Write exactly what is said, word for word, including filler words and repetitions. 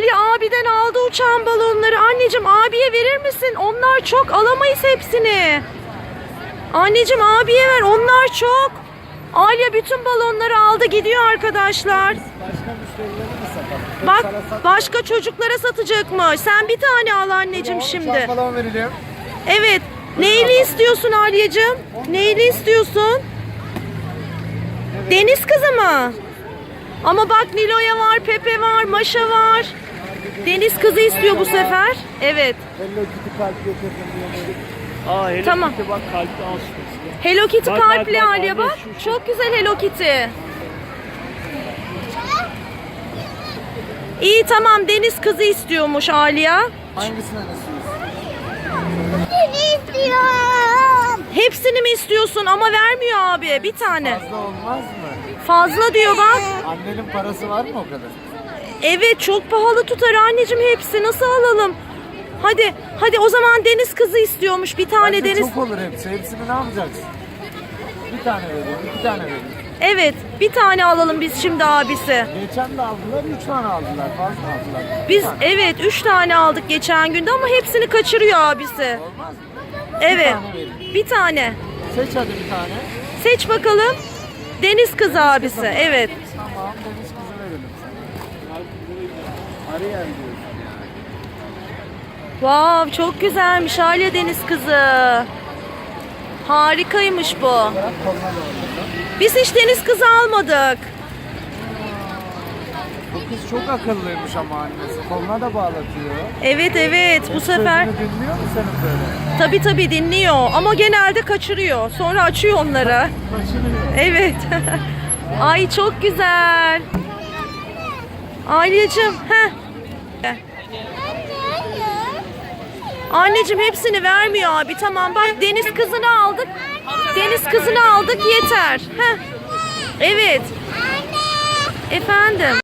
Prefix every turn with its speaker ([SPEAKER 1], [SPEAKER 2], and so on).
[SPEAKER 1] Ali abiden aldı uçan balonları. Anneciğim abiye verir misin? Onlar çok, alamayız hepsini. Anneciğim abiye ver, onlar çok. Alya bütün balonları aldı gidiyor arkadaşlar.
[SPEAKER 2] Başka müşterilere mi satalım?
[SPEAKER 1] Bak
[SPEAKER 2] Sana sat-
[SPEAKER 1] başka çocuklara satacakmış. Sen bir tane al anneciğim
[SPEAKER 2] Uçan
[SPEAKER 1] şimdi.
[SPEAKER 2] balon verelim.
[SPEAKER 1] Evet. Neyli istiyorsun Alyacığım? Neyli istiyorsun? Deniz kızı mı? Ama bak Nilo'ya var, Pepe var, Maşa var. Deniz kızı istiyor bu sefer. Evet.
[SPEAKER 2] Hello Kitty kalp getirdim diye.
[SPEAKER 3] Aa, Hello
[SPEAKER 1] Tamam.
[SPEAKER 3] Kitty bak kalpli al şurası.
[SPEAKER 1] Hello Kitty
[SPEAKER 3] Bak,
[SPEAKER 1] kalpli
[SPEAKER 3] bak, bak,
[SPEAKER 1] Alya
[SPEAKER 3] anne,
[SPEAKER 1] bak.
[SPEAKER 3] şu, şu.
[SPEAKER 1] Çok güzel Hello Kitty. İyi tamam, deniz kızı istiyormuş Alya.
[SPEAKER 2] Hangisini istiyorsun?
[SPEAKER 4] Seni istiyorum.
[SPEAKER 1] Hepsini mi istiyorsun ama vermiyor abi, bir tane.
[SPEAKER 2] Fazla olmaz mı?
[SPEAKER 1] Fazla diyor bak.
[SPEAKER 2] Annenin parası var mı o kadar?
[SPEAKER 1] Evet çok pahalı tutar anneciğim, hepsi nasıl alalım? Hadi hadi o zaman deniz kızı istiyormuş bir tane.
[SPEAKER 2] Bence
[SPEAKER 1] deniz.
[SPEAKER 2] çok olur hepsi. Hepsini ne yapacaksın? Bir tane vereyim, iki tane vereyim.
[SPEAKER 1] Evet bir tane alalım biz şimdi abisi.
[SPEAKER 2] Geçen de aldılar, üç tane aldılar. Fazla aldılar.
[SPEAKER 1] Biz evet üç tane aldık geçen günde ama hepsini kaçırıyor abisi.
[SPEAKER 2] Olmaz mı?
[SPEAKER 1] Evet
[SPEAKER 2] tane vereyim.
[SPEAKER 1] bir tane.
[SPEAKER 2] Seç hadi bir tane.
[SPEAKER 1] Seç bakalım. Deniz kızı abisi, evet.
[SPEAKER 2] Tamam, deniz kızı verelim sana. Arayan diyorsun yani.
[SPEAKER 1] Wow çok güzelmiş Alya deniz kızı. Harikaymış bu.
[SPEAKER 2] Bırak koluna da orada.
[SPEAKER 1] Biz hiç deniz kızı almadık.
[SPEAKER 2] Bu kız çok akıllıymış ama annesi. Koluna da bağlatıyor.
[SPEAKER 1] Evet evet bu sefer.
[SPEAKER 2] Sözünü dinliyor mu senin böyle?
[SPEAKER 1] Tabii tabii dinliyor ama genelde kaçırıyor. Sonra açıyor onları.
[SPEAKER 2] Kaçırıyor.
[SPEAKER 1] Evet. Ay çok güzel. Alyacığım. Heh. Anneciğim hepsini vermiyor abi. Tamam bak deniz kızını aldık. Deniz kızını aldık yeter. Heh. Evet. Efendim.